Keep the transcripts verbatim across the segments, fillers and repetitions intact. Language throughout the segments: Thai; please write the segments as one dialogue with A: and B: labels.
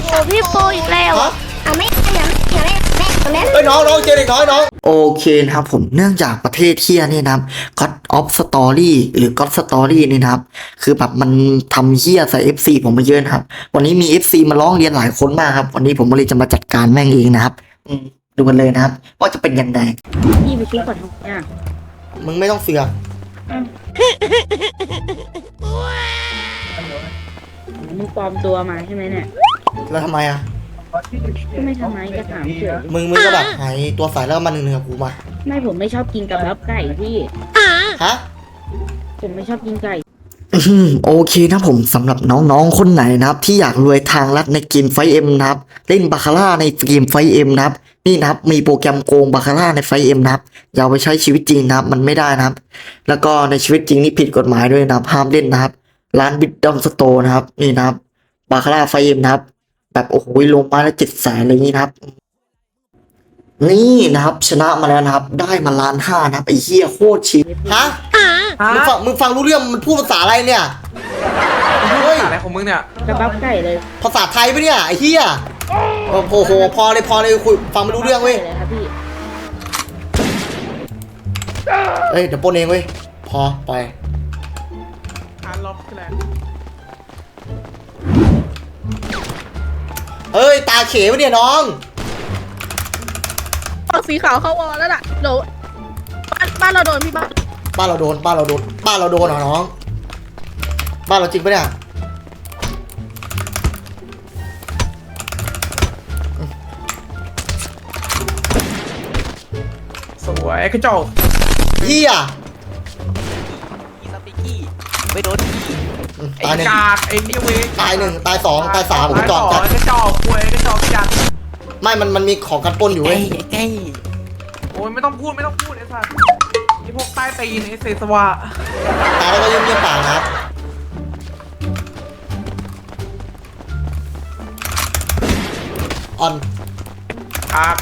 A: โอ้พี่โปอีกแล้วเอาไม่อย่าอย่าเล่นแม่ตัวนั้น
B: เอ้ยน้องน้องเจอเด็กน้อยน้องโอเคนะครับผมเนื่องจากประเทศเที่ยนี่นะครับ God of Story หรือ God Story นี่นะครับคือแบบมันทำเหี้ยใส่ เอฟ ซี ผมมาเยอะนะครับวันนี้มี เอฟ ซี มาร้องเรียนหลายคนมากครับวันนี้ผมเลยจะมาจัดการแม่งเองนะครับดูกันเลยนะครับว่าจะเป็นยังไง
A: พี่ไปซื้อก่อนทุกอย่าง
B: มึงไม่ต้องเสือก
A: มึงปลอมตัวมาใช่ไหมเนี่ย
B: แล้วทำไมอ่ะ
A: ก็ไม่ทำไมจะถามเฉย
B: มึงมึงก็แบบหายตัวใสแล้วก็มาหนึ่งหนึ่งกับกูมา
A: ไม่ผมไม่ชอบกินกับรับไก่พี่
B: ฮะ
A: ผมไม่ชอบกินไก่
B: อืมโอเคนะผมสำหรับน้องๆคนไหนนะครับที่อยากรวยทางลัดในเกมไฟเอ็มนะครับเล่นบาคาร่าในเกมไฟเอ็มนะครับนี่นะครับมีโปรแกรมโกงบาคาร่าในไฟเอ็มนะครับอย่าเอาไปใช้ชีวิตจริงนะครับมันไม่ได้นะครับ แล้วก็ในชีวิตจริงนี่ผิดกฎหมายด้วยนะครับห้ามเล่นนะครับร้านบิดดอมสโตร์นะครับนี่นะครับบาคาร่าไฟเอ็มนะครับแบบโอ้โหลงมาแล้วเจ็ดแสนอะไรอย่างนี้นะครับนี่นะครับชนะมาแล้วนะครับได้มาล้านห้านะครับไอ้เหี้ยโคตรชิบฮะมึงฟังมึงฟังรู้เรื่องมันพูดภาษาอะไรเนี่ยเฮ้ย
C: อะไรของมึงเนี่ย
A: กระบับไก่เลย
B: ภาษาไทยปะเนี่ยไอ้เหี้ยโอ้โหพอเลยพอเลยคุยฟังไม่รู้เรื่องเว้ย
A: เลยครับพี่
B: เอ้ยเดี๋ยวปนเองเว้ยพอไป
C: ฮาร์ดล็อกคืออะไร
B: เฮ้ยตาเขวะเนี่ยน้อง
D: สีขาวเข้าวอลแล้วล่ะเดี๋ยวบ้านบ้านเราโดนพี่บ้าน
B: บ้านเราโดนบ้านเราโดนบ้านเราโดนเหรอน้องบ้านเราจริงปะเนี่ย
C: สวยกระจก
B: เหี้ย
E: อีสปิกี้ไม่โดนพี่
B: อืม
C: ไอ้
B: ตายหนึ่ง
C: กากไอ้เนี่ยเว้ย
B: ตายหนึ่งตายสองตายสามผม
C: ตาย
B: จอด
C: ส
B: จั
C: อ
B: ด
C: งกระจอกควยกระจอกจัด
B: ไม่มันมันมีของกันปล้นอยู่
E: ไอ้
B: เว้ย
E: ไอ้
C: โอ้ยไม่ต้องพูดไม่ต้องพูดไอ้สัสไอ้พวกใต้ตีนไอ้เศษสวะ
B: ตายแล้วก็ยิ้มเยี่ยมปากนะครับออน
C: ครับ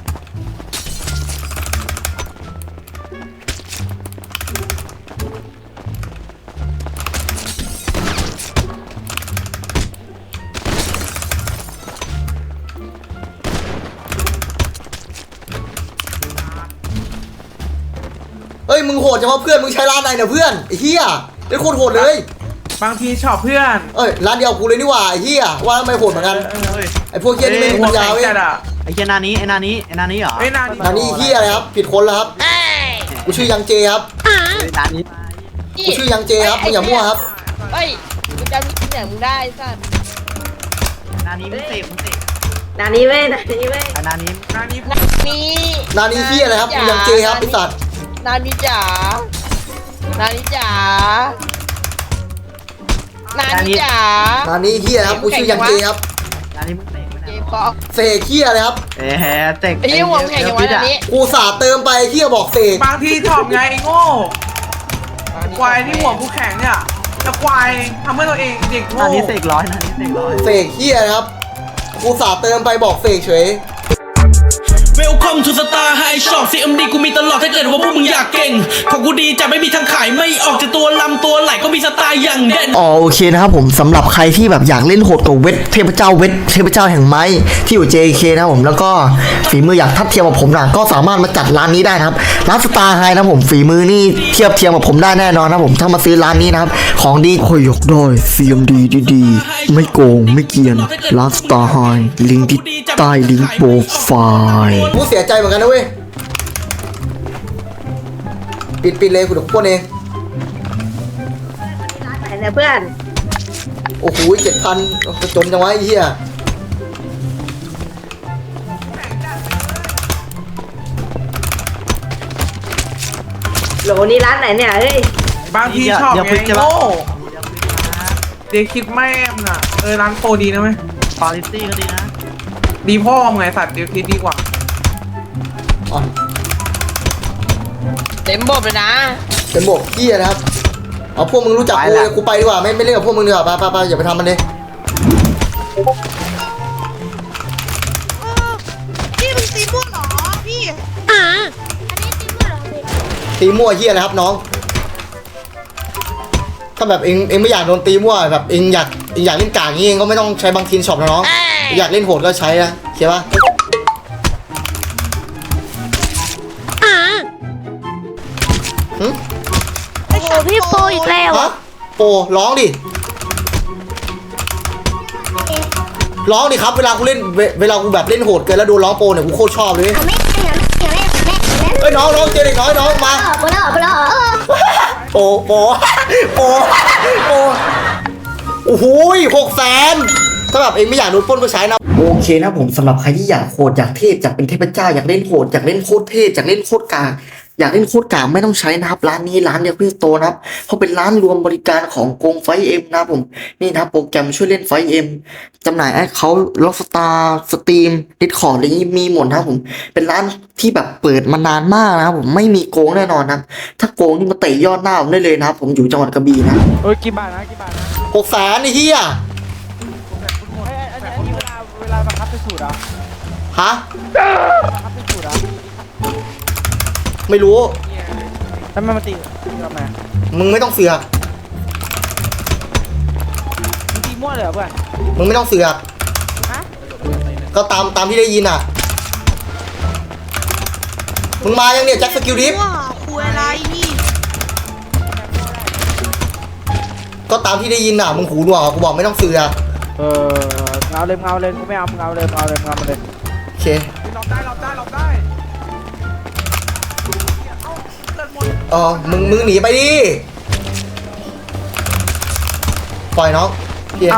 B: เอ้ยมึงโหดเฉพาะเพื่อนมึงใช้ร้านไหนเนี่ยเพื่อนไอ้เหี้ยได้โคตรโหดเลย
C: บางทีชอบเพื่อน
B: เอ้ยร้านเดียวกูเลยนี่หว่าไอ้เหี้ยว่าทำไมโหดเหมือนกัน
C: เออเออ
B: ไอ้พวกเหี้ยนี่ไม่มีปัญญาเว้ย
C: จัดอะ
F: ไอ้เจนานี้ไอ้นานี้ไอ้นานี้เหรอ
C: ไอ้นาน
B: อันนี้เหี้ยอะไรครับผิดคนแล้วครับกูชื่อยังเจครับ
F: ไอ้นานี้
B: กูชื่อยังเจครับมึงอย่ามั่วครับ
D: เฮ้ยมึงจำที่ไหนมึงได้สัตว์
F: นานี้มึงเสพมึงเสพ
A: นานี้เว้ยนานี้เว้ย
F: ไอ้นานี้
C: นานนี้พูด
D: นี่
B: นานี้เหี้ยอะไรครับกูยังเจครับไอ้สัตว์
D: นานี่จ๋านานี่จ๋านานี่จ๋า
B: นานี้เหี้ยครับกูชื่อยังเจครับ
F: นานี้มึงเสพ
D: เกมฟอก
B: เสกเหี้ยอะไรครับ
F: เอ๊ะเตก
D: ไอ้ยี่หัวมึงแข่งอย่างวะนานี่
B: กูสาเติมไปเหี้ยบอกเสก
C: บางทีชอบไงไอ้โง่ควายที่หัวกูแข็งเนี่ยแต่ควายทำเพื่อตัวเองเด็กโง่
F: นานี้เสกร้อยนานี้เสกร้อย
B: เสกเหี้ยนะครับกูสาเติมไปบอกเสกเฉย
G: Welcome to Star High Shop ซี เอ็ม ดี กูมีตลอดถ้าเกิดว่าพวกมึงอยากเก่งของกูดีจะไม่มีทางขายไม่ออกจากตัวลำตัวไหลก็มีสไตล์อย่างเด่น
B: อ๋อโอเคนะครับผมสำหรับใครที่แบบอยากเล่นโหดกับเวทเทพเจ้าเวทเทพเจ้าแห่งไม้ที่อยู่ เจ เค นะครับผมแล้วก็ฝีมืออยากทัดเทียมกับผมนะก็สามารถมาจัดร้านนี้ได้นะครับร้านสตาร์ไฮนะครับผมฝีมือนี่เทียบเทียมกับผมได้แน่นอนนะครับผมถ้ามาซื้อร้านนี้นะครับของดีโคยกด้อย ซี เอ็ม ดี ดีๆไม่โกงไม่เกียนร้านสตาร์ไฮลิงก์ที่ใต้ลิงก์โปรไฟล์กูเสียใจเหมือนกันนะเว้ยปิดปิดเลยกูเดี๋ยวปล้นเอง
A: ไหนเนี่ยเพื่อน
B: โอ้โหเจ็ดพันจนจังวะไอ้เหี้ย
A: โหลนี่ร้านไหนเนี่ยเฮ้ย
C: บางทีชอบไงไอ้โง่เด็กคิดแม่มน่ะเออร้านโปรดีนะเว้ย
F: คอลิตี้ก็ดีนะ
C: ดีพ่อมึงไงสัตว์เดี๋ยวคิดดีกว่า
B: อ่อน
D: เต็มบบเลยนะ
B: เป็นบกเหี้ยนะครับเอาพวกมึงรู้จักกูเลยกูไปดีกว่าไม่ไม่เล่นกับพวกมึงดีกว่าไปไปไปอย่าไปทำมันเลย
D: พี่มึงตีม่วงเหรอพี่
B: ตีมั่วเหี้ยนะครับน้องถ้าแบบเองเองไม่อยากโดนตีมั่วแบบเองอยากเองอยากเล่นกากงี้เองก็ไม่ต้องใช้บางทีนช็อปนะน้องอยากเล่นโหดก็ใช้นะเข้าปะ
A: อ่า
B: หึ
A: โอ้โหพี่โปอีกแล้ว
B: ฮะโปร้องดิร้องดิครับเวลากูเล่นเวเวลากูแบบเล่นโหดเกินแล้วโดนร้องโปเนี่ยกูโคตรชอบเลย
A: เอาไม่เอาไม่เอาไม่เอาไม่เอา
B: เอ้ยน้องน้องเจอเด็กน้อยน้องมา
A: ออกไปแล้วออกไปแล้วเออ
B: โปโปโปโปโอ้โหหกแสนถ้าแบบเองไม่อยากโดนปล้นก็ใช้นะโอเคนะผมสำหรับใครที่อยากโหดอยากเทพอยากเป็นเทพเจ้าอยากเล่นโหดอยากเล่นโคตรเทพอยากเล่นโคตรกลางอยากเล่นโคตรกลางไม่ต้องใช้นะครับร้านนี้ร้านเดียวพี่โตนะครับเขาเป็นร้านรวมบริการของกงไฟเอ็มนะครับผมนี่นะครับโปรแกรมช่วยเล่นไฟเอ็มจำหน่ายแอคเคาท์ล็อกสตาร์สตรีมดิสคอร์ดอะไรนี้มีหมดนะครับผมเป็นร้านที่แบบเปิดมานานมากนะครับผมไม่มีโกงแน่นอนนะครับถ้าโกงนี่มาเตะยอดหน้าผมได้เลยนะครับผมอยู่จังหวัดกระบี่นะ
C: เฮ้ยกี่บาทนะกี่บาทนะ
B: หกแสนไอ้เหี้ย
C: เฮ้ยอันนี้อันนี้เวลาเวลาบังคับเป็นสูตรอ่ะ
B: ฮะ
C: บังคับเป็นสูตรอ่ะ
B: ไม่รู้
C: แล้วมันมาตีทำไม
B: มึงไม่ต้องเสือก
C: มึงตีมั่วเลยเหรอเพื่อน
B: มึงไม่ต้องเสือก
C: ฮะ
B: ก็ตามตามที่ได้ยินอ่ะ มึงมายังเนี่ยแจ็คสกิลดิฟ
D: ว้าคุยอะไรนี่
B: ก็ตามที่ได้ยินอ่ะ มึงหูหนวกอ่ะกูบอกไม่ต้องเสือก
C: เออเอาเลยเอาเลยกูไม่เอามึงเอาเลยเอาเลยเอามาเลย
B: โอเค
C: หลบได้หลบได้หลบได้เอ้าเลือดหมด
B: เออมึงมึงหนีไปดิปล่อยน้องเฮีย
C: เอา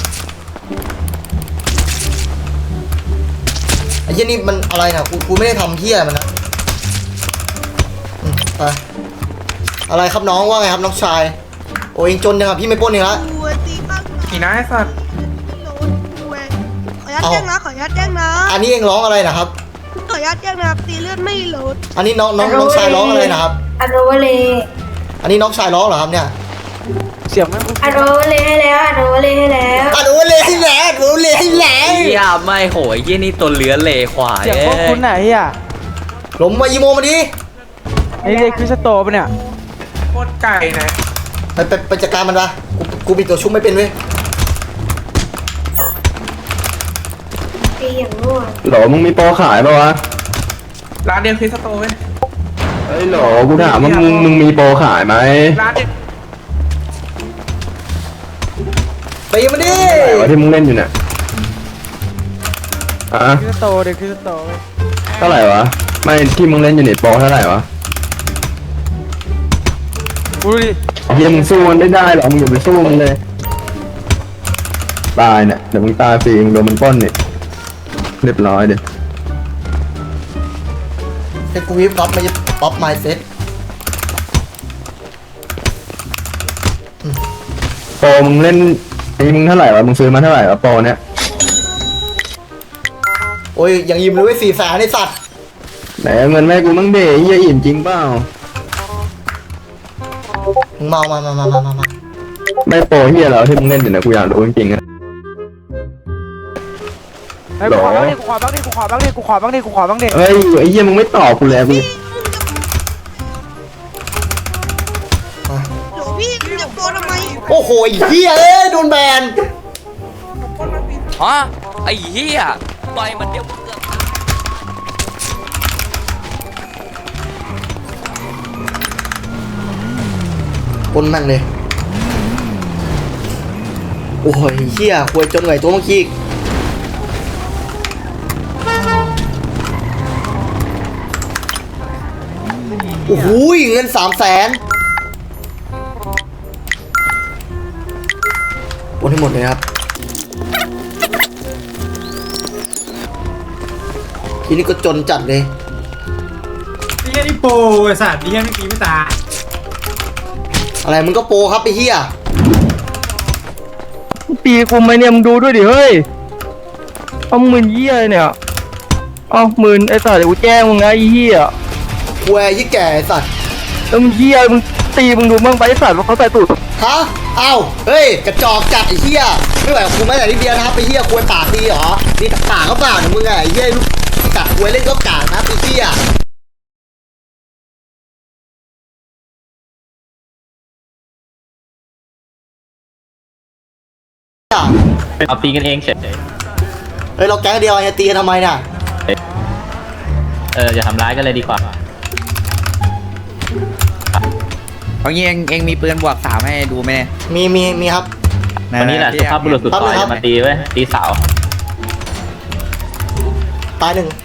B: ไอ้เหี้ยนี่มันอะไรนะกูกูไม่ได้ทำเฮียมันนะอืมไปอะไรครับน้องว่าไงครับน้องชายโอ้ยเองจนยังอ่ะพี่ไม่ปล้นเองละ
D: คุยตีบ้าง
C: กี่นะไอ้สัตว์
D: โหลดคุยขออนุญาตแจ้งนะขออนุญาตแจ้งนะ
B: อันนี้เองร้องอะไรนะครับ
D: ขออนุญาตแจ้งนะครับตีเลือดไม่โหลด
B: อันนี้น้องน้องน้องชายร้องอะไรนะครับ
A: อโรเวเล
B: อันนี้น้องชายร้องเหรอครับเนี่ย
C: เสียงไม่คุ้น
A: อโรเวเลให้แล้วอโรเวเลให้แล้ว
B: อ่ะดูเลยให้แหละดูเลยให้แหละ
E: เฮียไม่โหยเฮียนี่ตัวเลื้อนเลยควาย
C: เสียงโคตรคุ้นไหนอ่ะ
B: หลมมาอีโมมาดิ
C: ไอ้เด็กคริสโตปะเนี่ยโคตรไก่นะ
B: ไปไปไปจัดการมันปะกูกูมีตัวชุบไม่เป็นเว้ย
A: ตีอย่างง่วง
H: โหลมึงมีโปรขายปะวะ
C: ร้านเดียวคริสโตเว้ย
H: เฮ้ยโหลกูถามว่ามึงมึงมีโปรขายไหม
C: ร้านเดียว
B: ตีมันดิ
H: ไหนวะที่มึงเล่นอยู่เนี่ยอ่ะ
C: คริสโตเด็กคริสโตเว้ย
H: เท่าไหร่วะ ไม่ที่มึงเล่นอยู่เนี่ยโปรเท่าไหร่วะ
C: กูดูดิ
H: เฮียมึงสู้มันไม่ได้หรอกมึงอย่าไปสู้มันเลย ตายเนี่ยเดี๋ยวมึงตายฟรีมึงโดนมันปล้นเนี่ยเรียบร้อยเดี๋ยว
B: เซ็ตกูวิบป๊อปไม่ใช่ป๊อปไมเซ็ต
H: โปรมึงเล่นไอ้มึงเท่าไหร่วะมึงซื้อมาเท่าไหร่วะโปรเนี่ย
B: โอ้ยอย่างยิมเลยเว้ยสี่แสนไอ้สัตว์
H: ไหนเอาเงินแม่กูมั่งเดเฮียอิ่มจริงเปล่า
B: มึงเมามามามามามามา
H: ไม่โปรเฮียแล้วที่มึงเล่นอยู่เนี่ยกูอยากรู้จริงๆอะ
C: ไอ้กูขอบ้างดิกูขอบ้างดิกูขอบ้างดิกูขอบ้างดิกูขอบ้างดิ
H: เฮ้ยไอ้เฮียมึงไม่ตอบกูเลยกู
D: โหลพี่มึงจะโกรธทำไม
B: โอ้โหไอ้เหี้ยเอ้ยโดนแบน
E: ฮะไอ้เฮียต่อยมันเดียวมึงเกือบ
B: ปนแม่งเลย โอ้ยเหี้ยควยจนไหวตัวเมื่อกี้อีกโอ้โหเงินสามแสนโอนให้หมดเลยครับทีนี้ก็จนจัดเลย
I: นี่แค่นี่โปรไอ้สัตว์นี่แค่ไม่กี่ไม่ตาย
B: อะไรมึงก็โปรครับไอ้เหี้ย
H: ปีกูไหมเนี่ยมึงดูด้วยดิเฮ้ยเอาหมื่นเหี้ยเนี่ยเอาหมื่นไอ้สัตว์เดี๋ยวกูแจ้งมึงนะไอ้เหี้ย
B: ควยยี่แก่ไอ้สัตว์
H: แล้วมึงเหี้ยมึงตีมึงดูมึงไปไอ้สัตว์ว่าเขาใส่ตูด
B: ฮะ เอ้า เฮ้ย กระจอกจัดไอ้เหี้ย ไม่ไหวกับกูแม้แต่นิดเดียวนะครับไอ้เหี้ยควยปากดีเหรอดีแต่ปากก็เปล่าเนี่ยมึงไงไอ้เหี้ยลูกกัดควยเล่นก็กากนะไอ้เหี้ย
H: เอาตีกันเองเฉย
B: เฮ้ยเราแก๊งเดียวจะตีกันทำไมเนี่ย
F: เอออย่าทำร้ายกันเลยดีกว่า
J: เอางี้เองเองมีปืนบวกสามให้ดูไหม
B: มีมีมีครับ
F: วันนี้แหละสุภาพบุรุษสุดต่อยมาตีเว้ยตีสาว
B: ตายหนึ่ง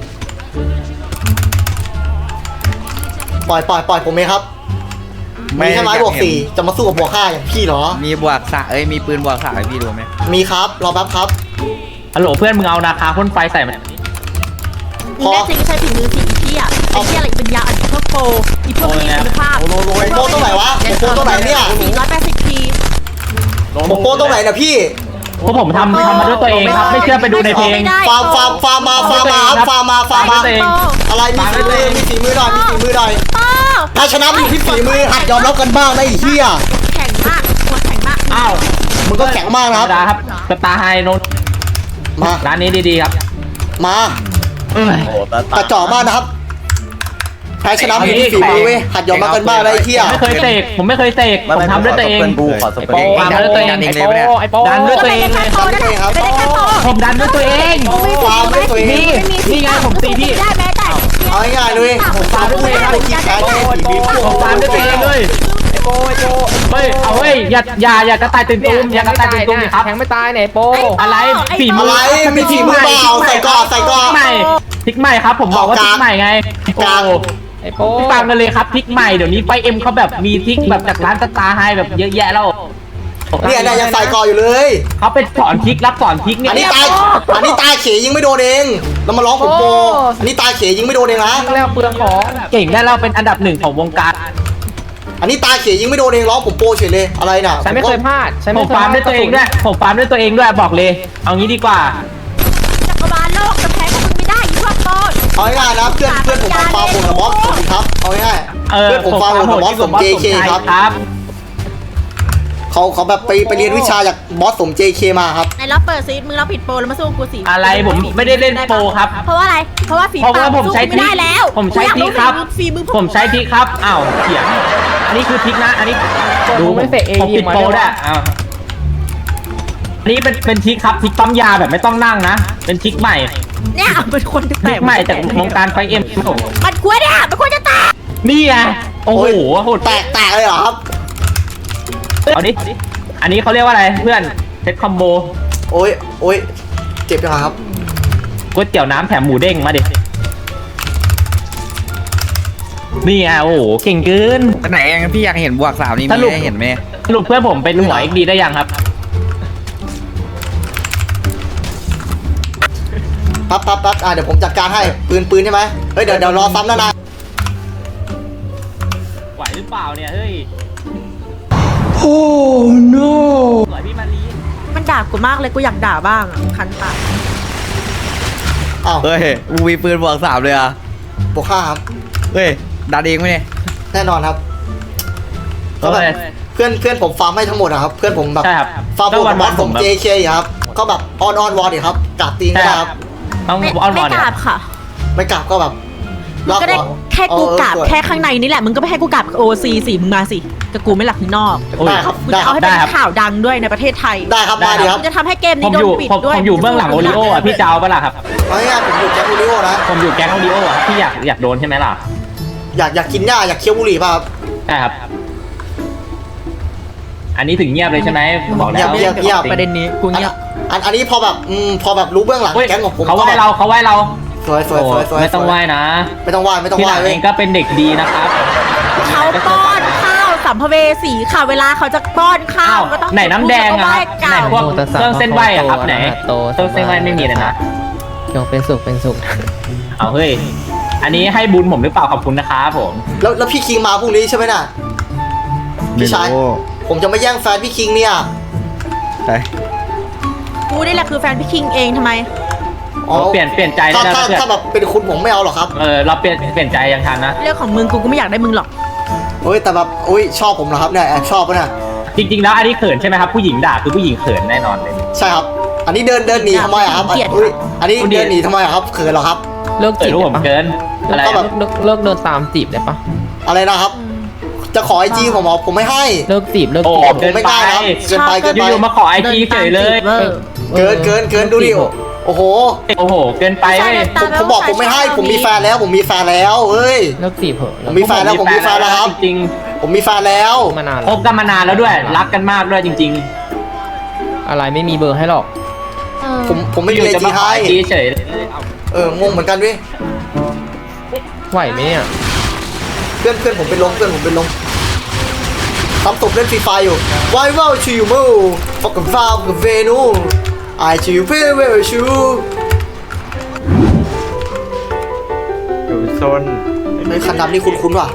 B: ปล่อยปล่อยปล่อยผมเองครับมีแค่ไม้บวกสี่จะมาสู้กับบวกห้าอย่างพี่เหรอ
J: มีบวกสามเอ้ยมีปืนบวกสามให้พี่ดูไหม
B: มีครับรอแป๊บครับ
F: ฮัลโหลเพื่อนมึงเอานาคาพ่นไฟใส่มัน
D: มึงแน่จริงใช้ฝีมือสิอีพี่อ่ะไอ้เหี้ยอะไรเป็นยาอันพวกโปรอีพวกมีคุณภาพ
B: โอ้โหโอ้โหโปรตรงไหนวะโปรตรงไหนเนี่ย
D: สี่ร้อยแปดสิบที
B: โปรตรงไหนเนี่ยพี่
F: พวกผมทำทำมาด้วยตัวเองครับไม่เชื่อไปดูในเพลง
B: ฟาร์มฟาร์มฟาร์มมาฟาร์มมาครับฟาร์มมาฟาร์มมา
F: ตัวเอง
B: อะไรมีฝีมือมีฝีมือหน่อยมีฝีมือหน่อย
D: โอ้
B: ถ้าชนะมีที่ฝีมือหัดยอมรับกันบ้างนะไอ้เหี้ย
D: แข็งมากหัวแข็งมาก
F: อ้าว
B: มึงก็แข็งมาก
F: ธร
B: นะค
F: รมดา
B: รับ
F: ครับสตาร์ไฮโนน
B: มา
F: ร้านนี้ดีๆครับ
B: มา
F: เอ้ย
B: กระจอกมากนะครับแพ้ชนะมีที่ฝีมือเว้ยหัดยอมรับกันบ้างนะไอ้เหี้ย
F: ผมไม่เคยเสกผมไม่เคยเสกผมทำด้วยตัวเอง
J: ไอ้โป้
F: ทำด้วยตัวเองไอ้โป้ไอ้โป้ดันด้วยตัวเอง
D: ไม่ได้แค่โตนั่นแหละไม่ได้แค่โต
F: ผมดันด้วยตัวเอง
B: ฟาร์มด้วยตัวเอง
F: นี่นี่ไงผมตีพี่
D: ได้แม้แต่
B: เอาง่ายๆเลยผมฟาร์มด้วยตัวเองไม่คิดแพ้ไม่ฝีมือ
F: ผมฟาร์มด้วยตัวเองเลยไอ้โป้ไอ้โป้เฮ้ยเอาเฮ้ยอย่าอย่าอย่ากระต่ายตื่นตูมอย่ากระต่ายตื่นตูมดิครับแทงไม่ตายไหนโป้อะไรฝีมื
B: อะไรมีฝีมือเปล่าใส่ก่อนใส่ก่อน
F: ใหม่พริกใหม่ครับผมบอกว่าพริกใหม่ไง
B: กลาง
F: ไอ้โป้ฟังกันเลยครับพริกใหม่เดี๋ยวนี้ไฟเอ็มเขาแบบมีพริกแบบจากร้านสตาร์ไฮแบบเยอะแยะแล้ว
B: เนี่ยเนี่ยยังใส่ก่อนอยู่เลย
F: เขาเป็นสอนพริกรับสอนพริกเนี่ย
B: อันนี้ตายอันนี้ตายเขยยิงไม่โดนเองแล้วมาร้องผมโปอันนี้ตายเขยยิงไม่โดนเองนะ
F: แล้วเปลืองของเก่งได้เราเป็นอันดับหนึ่งของวงการ
B: อันนี้ตายเขยยิงไม่โดนเองร้องผมโปเฉยเลยอะไรน่ะ
F: ฉันไม่เคยพลาดผมฟาร์มด้วยตัวเองด้วยผมฟาร์มด้วยตัวเองด้วยบอกเลย เอางี้ดีกว่า
D: จักรวาลโลกจะแพ้พวกมึงไม่ได้อีพวกโต
B: เอาง่ายๆนะเพื่อนเพื่อนผมฟาร์มผมกับบอสสวัสดีครับเอาง่าย
F: เอ
B: ๆ
F: อ
B: เพื่อนผมฟาร์มผมกับบอสสม เจ เค ครับ
F: ครับ
B: เขาเขาแบบไปไปเรียนวิชาจากบอสสม เจ เค มาครับ
D: ไหนเราเปิดซีดมึงเราผิดโปรแล้วมาสู้กูสิ
F: อะไรผมไม่ได้เล่นโปรครับ
D: เพราะว่าอะไรเพราะว่าฝี
F: เพราะ
D: ปา
F: ว่าก ผม
D: สู้
F: ใช้
D: กูไม่ได้แล้ว
F: ผมใช้พริกครับ
D: ฝีมือพวก
F: ผมใช้พริกครับอ้าวเถียงอันนี้คือพริกนะ อันนี้ดูไม่เสกเองผมปิดโปรได้อ้าวอันนี้เป็นเป็นพริกครับพริกปั๊มยาแบบไม่ต้องนั่งนะเป็นพริกใหม่
D: เนี่ยเป็นคน
F: พริกใหม่จากวงการไฟเอ็ม
D: มันควรเนี่ยมันควรจะตาย
F: นี่ไงโอ้โหโหด
B: แตกแตกเลยเหรอครับ
F: เอาดิอันนี้เขาเรียกว่าอะไรเพื่อนเซตคอมโบ
B: โอ้ยโอ้ยเจ็บจังครับ
F: ก๋วยเตี๋ยวน้ำแถมหมูเด้งมาดินี่ไงโอ้โหเก่งเกิน
J: ไหนเองพี่อยากเห็นบวกสามนี่
F: ส
J: มี
F: รุป
J: ให้เห็นไหม
F: สรุปเพื่อนผมเป็นหัวเอ็กดีได้ยังครับ
B: ปั๊บปั๊บปั๊บอ่ะเดี๋ยวผมจัดการให้ปืนปืนใช่ไหมเฮ้ยเดี๋ยวเดี๋ยวรอซ้ำนะนะ
F: ไหวหรือเปล่าเนี่ยเฮ้ย
G: โอ้ no
F: สวยพี่มารี
D: มันด่ากูมากเลยกูอยากด่าบ้างอะคันปาก
B: อ้าว
J: เฮ้ยมึงมีปืนบวกสามเลยอ่ะ
B: บวกห้าครับ
J: เฮ้ยดันเองไหมเนี่ย
B: แน่นอนครับ
F: ก็
B: ก็
F: เล
B: แบ
F: ย
B: บเพื่อนเพื่อนผมฟาร์มให้ทั้งหมดอะครับ เพื่อนผมแบบ
F: ใช่ครับ
B: ฟาร์ม
F: ก็
B: ผม
F: วั
B: กับบอส
F: นๆ
B: ผ
F: ผม มแบบ
B: เจ เคครับก็แบบออนออนวอร์ดครับกราบตีนก็
F: ใช่
B: ได้
F: ค
B: ค
F: รั
B: รั
F: บบ ต้อง
D: ไม่
F: ออนว
D: ไม่
F: อน
D: ก
F: เนี่ย
D: ราบค่ะ
B: ไม่กราบก็แบบ
D: มึงก็ได้
B: รอบ
D: แค่กูกราบ
B: เออ
D: แค่ข้างในนี่แหละมึงก็ไม่ให้กูกราบโอซีสิมึงมาสิกับกูไม่หลักข้างนอก
F: โอ้ย
B: ได้ครับ
D: มึง
B: ได้
D: จะ
B: ค
D: เอา
B: รับ
D: ให้เป็น
F: ได้ครับ
D: ข่าวดังด้วยในประเทศไทย
B: ได้ครับมาดีครับ
D: มึงจะทำให้เกม
F: ผ
D: นี้
F: ม
D: โด
F: อน ยู่
D: ปิด
F: ผม
D: ด้วย
F: ผมอยู่เบื้องหลังโอริโออ่ะพี่เจ้าปะล่ะครับ
B: เอาง่ายๆผมอยู่แจ็คโอริโอนะ
F: ผมอยู่แก๊งโอริโออ่ะพี่อยากอยากโดนใช่ไหมล่ะ
B: อยากอยากกินหญ้าอยากเคี้ยวบุหรี่ป่ะครับ
F: ใช่ครับ อันนี้ถึงเงียบเลยใช่ไหมบอกแล้ว
B: เงียบเงียบ
F: ประเด็นนี้กูเงียบ
B: อันอันนี้พอแบบอืมพอแบบรู้เบื้องหลัง
F: เฮ้ย
B: แก๊งของผม
F: เขาไหว้
B: ก็แบบ
F: เราเขาไหว้เรา
B: สวยสวยสวยสวย
F: ไม่ต้องไหว้นะ
B: ไม่ต้องไหว้ไม่ต้อง
F: ที่
B: ไห
F: ห
B: ว้
F: ลัง
B: เว้
F: เอย งก็เป็นเด็กดีนะครับ
D: เขาป้อนข้าวสัมภเวสีค่ะเวลาเขาจะป้อนข้า
F: อ้าว ว
D: ก็ต้อง
F: ไหนน้ำแดงอะครับ
D: เก่า
F: ไหนพวกเครื่องเส้นไหวอะครับไหน
E: โต
F: เครื่องเส้นไหวไม่มีเลยนะ
E: จงเป็นสุขเป็นสุข
F: เอาเฮ้ย อันนี้ให้บุญผมหรือเปล่าขอบคุณนะครับผม
B: แล้วแล้วพี่คิงมาพรุ่งนี้ใช่ไหมน่ะพี่ชายผมจะไม่แย่งแฟนพี่คิงเนี่ย
J: ใช่
D: กูนี่แหละคือแฟนพี่คิงเองทำไม
B: อ๋อ
F: เปลี่ยนเปลี่ยนใจได้
B: ถ้า
F: แล้ว
B: ถ้า
F: เพื่อน
B: ถ้าแบบเป็นคุณผมไม่เอาหรอกครับ
F: เออเราเปลี่ยนเปลี่ยนใจยังทันนะ
D: เรื่องของมึงกูก็ไม่อยากได้มึงหรอก
B: เฮ้ยแต่แบบอุ้ยชอบผมเหรอครับเนี่ยแอบชอบปะเนี่ย
F: จริงๆแล้วอันนี้เขินใช่ไหมครับผู้หญิงด่าคือผู้หญิงเขินแน่นอนเลย
B: ใช่ครับ อันนี้เดินเดินหนีทำไมอะครับอัน
D: เกลียด
B: อุ้ยอันนี้เดินหนีทำไมอะครับเขินเหรอครับ
E: เลิก
F: เขิ
E: จี
F: น
E: บ
F: รู้ผมเกินอะไร
B: ก็แบบ
E: เลิกเลิกโดนตามจีบได้ปะ
B: อะไรนะครับ จะขอไอจีผมเหรอผมไม่ให้
E: เลิกจีบเลิก
F: โอ้
E: จีบ
F: เกิน
B: ไม่
F: ไป
B: ได้นะครับเกินไปเกินไป
F: อยู่ๆมาขอไอจีเฉยเลย
D: เวอร์
B: เกินเกินเกินดูดิโอ้โอ้โห
F: โอ้โห เกินไปเว้ย
B: ผมผมบอกผมไม่ให้ผมมีแฟนแล้วผมมีแฟนแล้วเฮ้ย
I: เลิกจีบเหอะ
B: ผมมีแฟนแล้วผมมีแฟนแล้วครับ
F: จริง
B: ผมมีแฟนแล้ว
I: มานาน
F: ๆคบกันมานานแล้วด้วย รักกันมากด้วยจริง
I: อะไรไม่มีเบอร์ให้หรอก
D: เออ
B: ผมผม
F: ๆ
B: ไม่มี
F: อยู่
B: อะไร
F: จะ
B: จี
F: มาขอ
B: ให้
F: ไอจีเฉย
B: เอองงเหมือนกันเว้ย
I: ไหวไหมเนี่ย
B: เพื่อนเพื่อนผมเป็นลมเพื่อนผมเป็นลมทำตบเล่นฟรีไฟอยู่ไว้ว่าชิวมูฟอกกับฟาวกับเวนูไอชิวเพื่อเวลชู
H: อยู่โซน
B: ไอคันดำนี่คุ้นๆว่ะ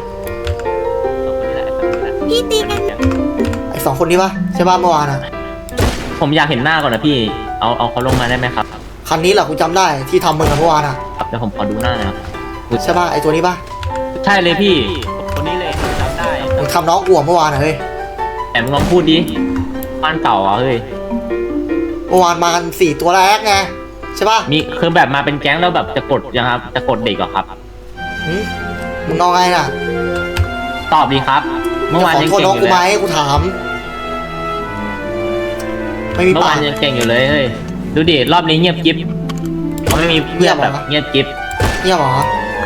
A: พี่ตีกัน
B: ไอสองคนนี้ปะใช่ป่ะเมื่อวานอะ
F: ผมอยากเห็นหน้าก่อนนะพี่ เอาเอาเขาลงมาได้ไหมครับ
B: คันนี้แหละกูจำได้ที่ทำมึงอะเมื่อวานอะ
F: เดี๋ยวผมขอดูหน้าหนะครับ
B: ใช่ป่ะไอตัวนี้ป่ะ
F: ใช่เลยพี่ คนนี้เลยจำได้
B: มึงทำน้องกูอะเมื่อวานอะเฮ้ย
F: แต่มึงลองพูดดิบ้านเก่าอ่ะเฮ้ย
B: เมื่อวานมากันสี่ตัวแรกไงใช่ป่ะ
F: มีคือแบบมาเป็นแก๊งแล้วแบบจะกดยังครับ จะกดเด็กเหรอครับ
B: หึมึงเอาไงน่ะ
F: ตอบดีครับ เมื่อวาน
B: ขอ
F: ยัง
B: โทษ
F: เก่ง
B: น้อง
F: อ
B: กู
F: ยู่
B: ไหม
F: เลย
B: กูถาม ไม่มี
F: เมื่อาน
B: ปาวก
F: ยังเก่งอยู่เลยเฮ้ย ดูดิรอบนี้เงียบกิ๊บเขาไม่มีเพื่อนแบบเงียบกิ๊บ
B: เนี่ยเหรอ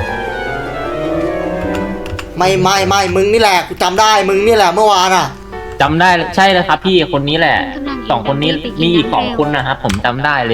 B: ไม่ไม่ไม่มึงนี่แหละกูจำได้มึงนี่แหละเมื่อวานอะ
F: จำได้ใช่เลยครับพี่คนนี้แหละสองคนนี้มีอีกสองคนนะครับผมจำได้เลย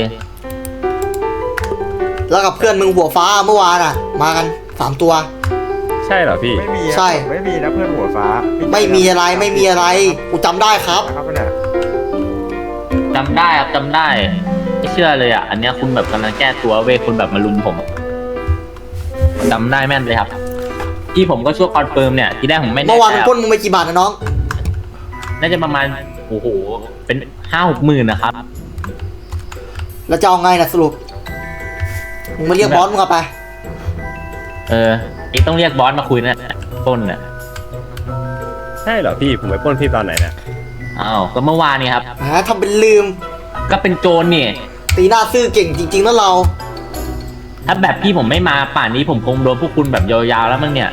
B: แล้วกับเพื่อนมึงหัวฟ้าเมื่อวานอะมากันสามตัว
H: ใช่เหรอพี่ไม่มี
B: ใช่
H: ไม่มีนะเพื่อนหัวฟ้า
B: ไม่มีอะไรไม่มีอะไรกูจำได้ครับ
H: ครับเนี่ย
F: จำได้ครับจำได้ไม่เชื่อเลยอ่ะ อันเนี้ยคุณแบบกำลังแก้ตัวเว้ยคุณแบบมาลุมผมจำได้แม่นเลยครับ ที่ผมก็ช่วยคอนเฟิร์มเนี่ยทีแรกผมไม่แน่
B: เมื่อวาน
F: ใจ
B: มึงปล้นมึงไปกี่บาทนะน้อง
F: น่าจะประมาณโอ้โหเป็นห้าหกหมื่นนะครับ
B: แล้วจะเอาไงนะสรุปมึงมาเรียกบอสมึงเอาไป
F: เอออีกต้องเรียกบอสมาคุยนะต้นน่ะ
H: ใช่เหรอพี่ผมไปปล้นพี่ตอนไหนเนี่ย
F: อ้าวก็เมื่อวานนี่ครับ
B: แหมทำเป็นลืม
F: ก็เป็นโจรนี่
B: ตีหน้าซื่อเก่งจริงๆนะเรา
F: ถ้าแบบพี่ผมไม่มาป่านนี้ผมคงโดนพวกคุณแบบยาวๆแล้วมั้งเนี่ย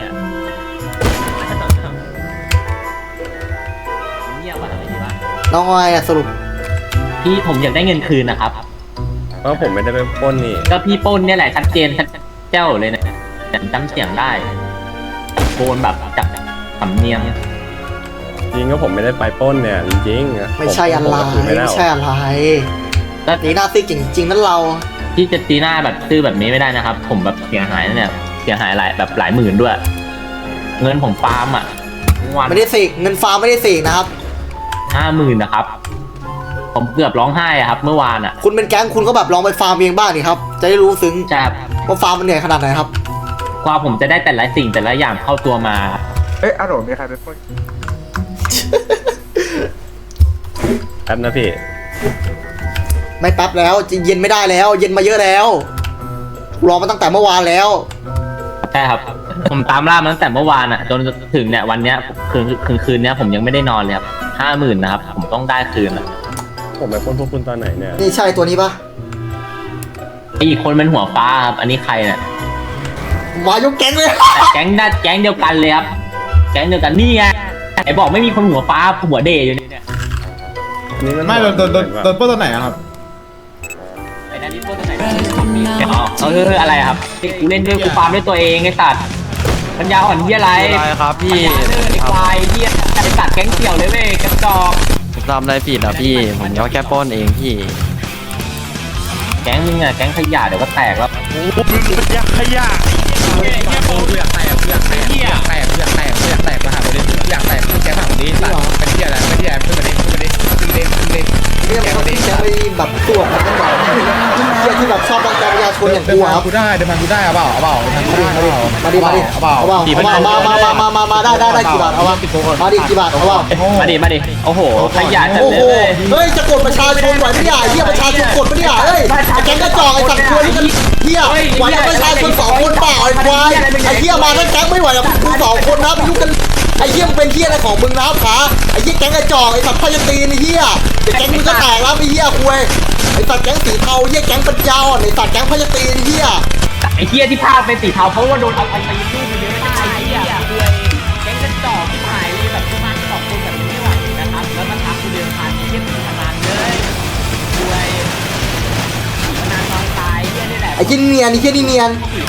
F: เงียบว่ะทำไมดีวะ
B: น้องเอาไงอะสรุป
F: พี่ผมอยากได้เงินคืนนะครับ
H: เพราะผมไม่ได้ไปปล้นนี่
F: ก็พี่ปล้นเนี่ยแหละชัดเจนชัดเจ้าเลยนะแต่จำเสียงได้โกนแบบจับสำเนียง
H: จริงก็ผมไม่ได้ไปปล้นเนี่ยจริงๆ
B: ไม่ใช่อะไร
H: ผมก็ถืไม่ได้
B: ไม่
H: หรอก
B: ใช่อะไร
F: ก็
B: ตีหน้าซื่อเก่งจริงๆนั่นเรา
F: พี่จะตีหน้าแบบซื่อแบบนี้ไม่ได้นะครับ ผมแบบเสียหายนะเนี่ยเสียหายหลายแบบหลายหมื่นด้วย เงินผมฟาร์มอ่ะวัน
B: ไม่ได้เสกเงินฟาร์มไม่ได้เสกนะครับ
F: ห้าหมื่นนะครับ ผมเกือบร้องไห้อะครับ เมื่อวานอ่ะ
B: คุณเป็นแก๊งคุณก็แบบลองไปฟาร์มเองบ้างดิครับ จะได้รู้ซึ้ง
F: จะ
B: ว่าฟาร์มมันเหนื่อยขนาดไหนครับ
F: กว่าผมจะได้แต่ละสิ่งแต่ละอย่างเข้าตัวมา
H: เอ้ยอารมณ์มีใครไปปล้นแป๊บนะพี่
B: ไม่แป๊บแล้วเย็นไม่ได้แล้ว เย็นมาเยอะแล้วรอมาตั้งแต่เมื่อวานแล้ว
F: ใช่ครับ ผมตามล่ามาตั้งแต่เมื่อวานอ่ะจนถึงเนี่ยวันเนี้ยคืนคืนคืนเนี้ยผมยังไม่ได้นอนเลยครับห้าหมื่นนะครับ ผมต้องได้คืนอ่ะ
H: ผมไปปล้นพวกคุณตอนไหนเนี่ย
B: นี่ใช่ตัวนี้ปะ
F: ไออีกคนเป็นหัวฟ้าครับ อันนี้ใครเนี่ย
B: มายกแก๊งเลย
F: แต่แก๊งน่าแก๊งเดียวกันเลยครับ แก๊งเดียวกันนี่ไงไอบอกไม่มีคนหัวฟ้าหัวเดย์อยู่เนี่ย
H: นี่มัน
I: ไม่โดนโดนโดนโดนปล้นตอนไหนอะครับ
F: ไอ้นั่นนี่พวกตัวไหนอ๋อเอออะไรครับกูเล่นด้วยกูฟาร์มด้วยตัวเองไอ้สัตว์ปัญญาอ่อนเหี้ยอะไร
E: อะไรครับพี่
F: ไอ้ควายเหี้ยไอ้สัตว์แก๊งเสี่ยวเลยเว้ยกระจอก
E: ผมทำอะไรผิดอ่ะพี่ ผมก็แค่ปล้นเองพี่
F: แก๊งมึงอะแก๊งขยะเดี๋ยวก็แตกแล้ว
B: เนี่ยมันที่จะไปแบบตรวจมันกันแบบเที่ยที่แบบชอบรังแกประชาชนอย่างกูครับ
I: กูได้เดี๋ยวมันกูได้เอาเปล่าเอาเปล่าเดี๋ยวมันกูได้เอาเปล่า
B: มาดิมาดิ
I: เอาเปล่า
B: เอาเปล่าเอามามามามามามาได้ได้ได้กี่บาทเอามามาดิกี่บาทเอาเปล่า
F: มาดิมาดิโอ้โหขยะจัด
B: โอ้
F: เล
B: โห
F: ย
B: เฮ้ยจะกดประชาชนไหวไม่ได้เฮียประชาชนกดไม่ได้เฮ้ยไอ้แก๊งกระจอกไอ้สัตว์ควรที่กันเฮียไหวกับประชาชนสองคนเปล่าไอ้ควายไอ้เฮียมาทั้งแก๊งไม่ไหวกับมึงสองคนนะไปยุ่งกันไอ้เฮียมึงเป็นเฮียอะไรของมึงนะขาไอ้เฮียแก๊งกระจอกไอ้สัตว์พยาตีนไอ้เฮียเดี๋ยวแก๊งมึงก็แตกแล้วไอ้เฮียควายไอ้สัตว์แก๊งสีเทาเฮียแก๊งปัญญาอ่อนไอ้สัตว์แก๊งพยาตีนไอ้เฮีย
F: ไอ้เหี้ยที่พาเป็นสีเทาเพราะว่าโดนเอาไปไปยืดเยอะไอ้เหี้ยแก๊งกระจอกที่หายเลยแบบประมาณสองคนแบบนี้ไม่ไหวนะครับแล้วมันทักกูเดือนผ่านเหี้ยตีขนาดเลยด้วยนานนอนต
B: อ้ที่เนียนไอ้ที่นี่เนียน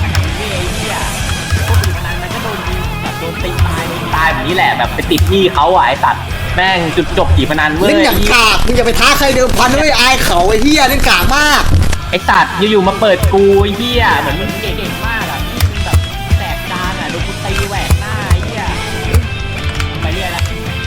F: มันก็โดนยิงแบบโดนตีตายตายแบบนี้แหละแบบไปติดหนี้เขาอ่ะไอ้สัตว์แม่งจุดจบขี่พนันเว้ย
B: เล่นอย่างกากมึงอย่าไปท้าใครเดิมพันด้วยอายเขาไอ้เหี้ยเล่นกากมาก
F: ไอ้สัตว์อยู่ๆมาเปิดกูไอ้เหี้ยเหมือนมึงเก่งมากอ่ะมึงแบบแตกจานอ่ะโดนกูตีแหวกหน้าไอ้เหี้ยไปเรื่อยละ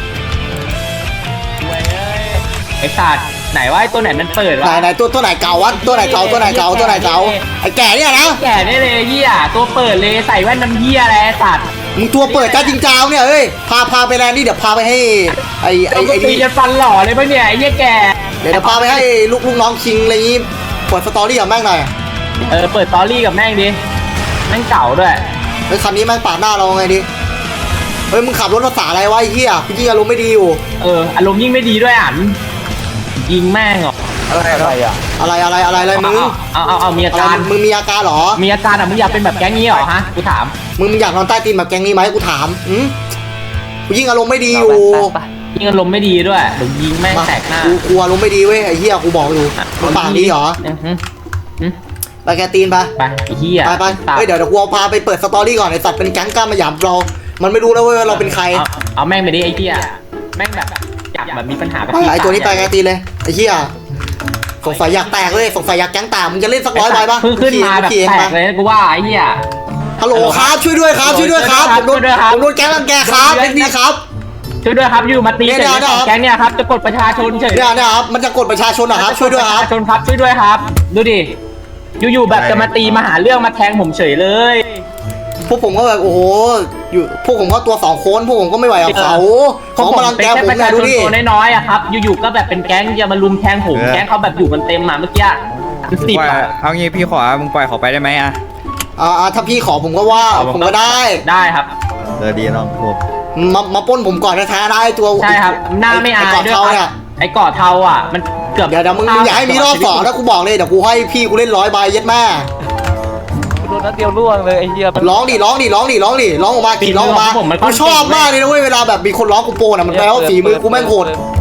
F: เว้ยไอ้สัตว์ไหนว่าไอ้ตัวไหนมันเปิด
B: ไหน
F: วะ
B: ไหนตัวตัวไหนเก่าวะตัวไหนเก่าตัวไหนเก่าตัวไหนเก่าไอ้แก่เนี่ยนะ
F: แก่ได้เลยเหี้ยตัวเปิดเลยใส่แว่นน้ำเหี้ยอะไรไอ้สัตว์
B: มึงตัวเปิดจ้าจริงจ้าวเนี่ยเอ้ยพาพาไปแลนด์นี่เดี๋ยวพาไปให้ไอ้ไอ้
F: ไอ้
B: ไอ้
F: ตี
B: นี่
F: จะฟันหล่อเลยปะเนี่ยไอ้เหี้ยแก่
B: เดี๋ยวเดี๋ยวพาไปให้ลูกลูกน้องคิงอะไรอย่างงี้เปิดสตอรี่กับแม่งหน่อย
F: เออเปิดตอรี่กับแม่งดิแม่งเก่าด้วย
B: เฮ้ยคันนี้แม่งปาดหน้าเราไงดิเฮ้ยมึงขับรถภาษาอะไรวะไอ้เหี้ยกูยิ่งอารมณ์ไม่ดีอยู่
F: เอออารมณ์ยิ่งไม่ดีด้วยอ่ะยิงแม่งเหรอ
J: อะไรอะไรอ่ะ
B: อะไรอะไรอะไรอะไรมึง
F: เอาเอาเอามีอา
B: อะไร
F: การ
B: มึงมีอาการเหรอ
F: มีอาการอ่ะมึงอยากเป็นแบบแก๊งนี้เหรอฮะกูถาม
B: มึงมึงอยากนอนใต้ตีนแบบแก๊งนี้ไหมกูถามอืมกูยิ่งอารมณ์ไม่ดีอยู่
F: ยิงอารมณ์ไม่ดีด้วยเดี๋ยวยิงแม่งแตกหน้า
B: กูกูอารมณ์ไม่ดีเว้ยไอ้เหี้ยกูบอกอยู่มึงปากดีเหรอ
F: อือหืออือ
B: ไปแกตีนไป
F: ไปไอ้เหี้ย
B: ไปไปเฮ้ยเดี๋ยวเดี๋ยวกูเอาพาไปเปิดสตอรี่ก่อนไอ้สัตว์เป็นแก๊งกล้ามาหยามเรา มันไม่รู้แล้วเว้ยว่าเราเป็นใคร
F: เอาเอาแม่งไปดิไอ้เหี้ยแม่งแบบอยากแบบมีปัญหากับ
B: ไปไอ้ตัวนี้ไปแกตีนเลยไอ้เหี้ยสงสัยอยากแตกเลยสงสัยอยากแก๊งแตกมึงจะเล่นสักร้อยใบปะ
F: เพิ่งขึ้นมาแบบ
B: ขี่เอง
F: แต
B: ปะ
F: กเลยนะกูว่าไอ้เหี้ย
B: ฮัลโหลครับช่วยด้วยครับช่วยด้วยครับผมโดน
F: ช่วยด้วยครับ
B: ผมโดนแก๊งรังแกครับเล็กนี้ครับ
F: ช่วยด้วยครับอยู่มาตี
B: เนี่ย
F: เสร็จ
B: เนี่ย
F: แล้วแก๊งเนี่ยครับจะกดประชาชนเฉย
B: เนี่ยเนี่ยครับมันจะกดประชาชนเหรอครับช่วยด้วยครับ
F: ประชาชนครับช่วยด้วยครับ ดูดิอยู่ๆแบบจะมาตีมาหาเรื่องมาแทงผมเฉยเลย
B: พวกผมก็แบบโอ้โหอยู่พวกผมก็ตัวสองคนพวกผมก็ไม่ไหวกับเขาเขามารังแกผม
F: เป็น
B: เนี่
F: แค่
B: ย
F: ประ
B: ดู
F: ชาชน
B: ดิ
F: ตัวน้อยๆอะครับอยู่ๆก็แบบเป็นแก๊งจะมาลุมแทงผมแก๊งเขาแบบอยู่กันเต็มมาเมื่อกี้คือสิบ
J: ปล่อย
F: อะ
J: เอางี้พี่ขอมึงปล่อยเขาไปได้ไหมอ่ะ
B: อ่าถ้าพี่ขอผมก็ว่าผมก็ได้
F: ได้ครับ
H: เออดีน้องผม
B: มามาปล้นผมก่อนแท้ๆได้ตัว
F: ใช่ครับหน้าไม่อาย
B: ไอ้กอด
F: ด้วย
B: เทา
F: ค
B: เนี่
F: รั
B: ย
F: บไอ้เกาะเทาอ่ะมันเกือบ
B: เดี๋ยวเดี๋ยวมึงมึงอย่าให้มีรอบสองนะกูบอกเลยเดี๋ยวกูให้พี่กูเล่นร้อยใบเย็ดแม่
E: โดนนัดเดียวล่วงเลยไอ้เหี้ยมัน
B: ร้องดิร้องดิร้องดิร้องดิร้องออกมาขี่ร้องออกมากูชอบมากเลยนะเว้ยเวลาแบบมีคนร้องกูโปนอ่ะมันแปลว่าฝีมือกูแม่งโหด